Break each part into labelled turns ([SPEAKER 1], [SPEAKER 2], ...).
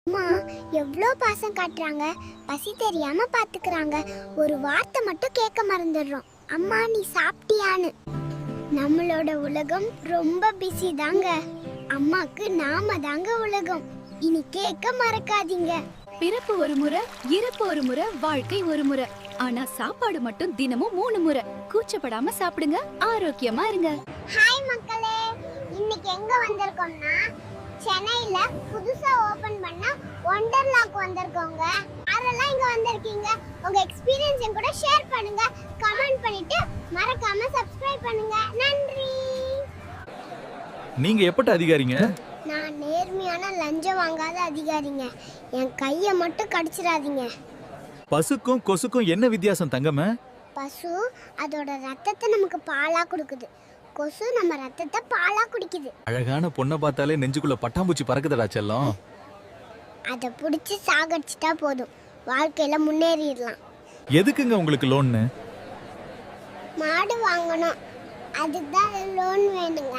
[SPEAKER 1] அம்மா எவ்வளோ பாசம் காட்டுறாங்க, பசி தெரியாம பாத்துக்கிறாங்க. ஒரு வார்த்தை மட்டும் கேட்க மறந்துடுறோம், அம்மா நீ சாப்பிட்டியான்னு. நம்மளோட உலகம் ரொம்ப பிஸி தாங்க. அம்மாக்கு நாம தாங்க உலகம். இனி கேட்க மறக்காதீங்க.
[SPEAKER 2] பிறப்பு ஒரு முறை, இறப்பு ஒரு முறை, வாழ்க்கை ஒரு முறை. ஆனா சாப்பாடு மட்டும் தினமும் 3 முறை. கூச்சப்படாம சாப்பிடுங்க, ஆரோக்கியமா இருங்க.
[SPEAKER 1] ஹாய் மக்களே, இன்னைக்கு எங்க வந்திருக்கோம்னா சென்னையில புதுசா ஓபன் பண்ண ஒண்டர்லாக்கு வந்திருக்கோங்க. யாரெல்லாம் இங்க வந்திருக்கீங்க, உங்க எக்ஸ்பீரியன்ஸ் என் கூட ஷேர் பண்ணுங்க, கமெண்ட் பண்ணிட்டு மறக்காம சப்ஸ்கிரைப் பண்ணுங்க. நன்றி.
[SPEAKER 3] நீங்க எப்பட்ட அதிகாரிங்க?
[SPEAKER 1] நான் நேர்மையான லஞ்சம் வாங்காத அதிகாரிங்க. என் கையை மட்டும் கடிச்சிடாதீங்க.
[SPEAKER 3] பசுக்கும் கொசுக்கும் என்ன வித்தியாசம் தங்கமே?
[SPEAKER 1] பசு அதோட ரத்தத்தை நமக்கு பாலா கொடுக்குது, கொசு நம்ம ரத்தத்தை பாலா குடிக்குது.
[SPEAKER 3] அழகான பொண்ணை பார்த்தாலே நெஞ்சுக்குள்ள பட்டாம்பூச்சி பறக்குதடா செல்லம்.
[SPEAKER 1] அதை பிடிச்சி சாகடிச்சிட்டா போதும், வாழ்க்கையில முன்னேறிடலாம்.
[SPEAKER 3] எதுக்குங்க உங்களுக்கு லோன்னு?
[SPEAKER 1] மாடு வாங்கணும், அதுதான் லோன் வேணுங்க.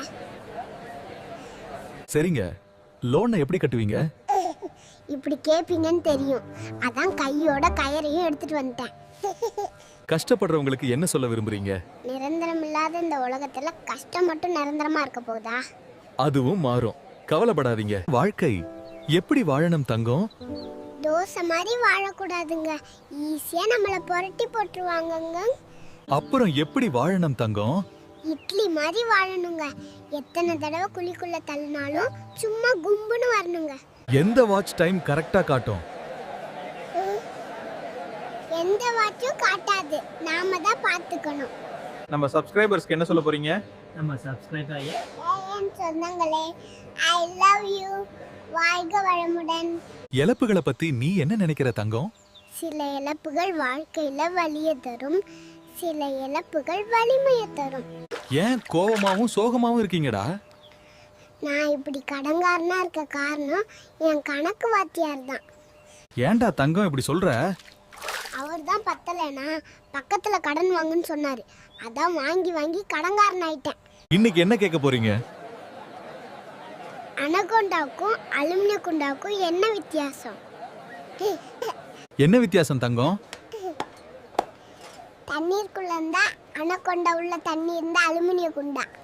[SPEAKER 3] சரிங்க, லோனை எப்படி கட்டுவீங்க?
[SPEAKER 1] இப்படி கேப்பீங்கன்னு தெரியும், அதான் கையோட கயரையும் எடுத்துட்டு வந்துட்டேன்.
[SPEAKER 3] கஷ்டப்படுறவங்களுக்கு என்ன சொல்ல விரும்புறீங்க?
[SPEAKER 1] நிரந்தரம் இல்லாத இந்த உலகத்துல கஷ்டம் மட்டும் நிரந்தரமா இருக்க போகுதா?
[SPEAKER 3] அதுவும் மாறும், கவலைப்படாதீங்க. வாழ்க்கை எப்படி வாழணும் தங்கம்?
[SPEAKER 1] தோசை மாதிரி வாழக்கூடாதுங்க, ஈஸியா நம்மள புரட்டி போட்டுருவாங்கங்க.
[SPEAKER 3] அப்புறம் எப்படி வாழணும் தங்கம்?
[SPEAKER 1] இட்லி மாதிரி வாழணுங்க, எத்தனை தடவை குழிக்குள்ள தள்ளினாலும் சும்மா கும்புன்னு வரணுங்க.
[SPEAKER 3] எந்த வாட்ச் டைம் கரெக்டா காட்டும்?
[SPEAKER 1] எந்த வாட்சும் காட்டாது, நாம தான் பார்த்துக்கணும்.
[SPEAKER 4] நம்ம சப்ஸ்கிரைபர்ஸ்க்கு என்ன சொல்ல போறீங்க?
[SPEAKER 5] நம்ம சப்ஸ்கிரைப் ஆகி
[SPEAKER 1] என் சொந்தங்களே, ஐ லவ் யூ. வாழ்க வளமுடன்.
[SPEAKER 3] இழப்புகளை பத்தி நீ என்ன நினைக்கிற தங்கம்?
[SPEAKER 1] சில இழப்புகள் வாழ்க்கையில வலியை தரும், சில இழப்புகள் வலிமையை தரும்.
[SPEAKER 3] ஏன் கோவமாவும் சோகமாவும் இருக்கீங்கடா?
[SPEAKER 1] நான் இப்படி கடங்காரனா இருக்க காரணம் என் கணக்கு வாத்தியார் தான்.
[SPEAKER 3] ஏன்டா தங்கம் இப்படி சொல்ற?
[SPEAKER 1] அவர் தான் பத்தலைனா பக்கத்துல கடன் வாங்குன்னு சொன்னாரு, அதான் வாங்கி வாங்கி கடங்காரன் ஆயிட்டேன்.
[SPEAKER 3] இன்னைக்கு என்ன கேட்க போறீங்க?
[SPEAKER 1] அனகொண்டாவுக்கும் அலுமினிய குண்டாவுக்கும் என்ன வித்தியாசம்?
[SPEAKER 3] என்ன வித்தியாசம் தங்கம்?
[SPEAKER 1] தண்ணீருக்குள்ள இருந்தா அனகொண்டா, உள்ள தண்ணி இருந்தா அலுமினிய குண்டா.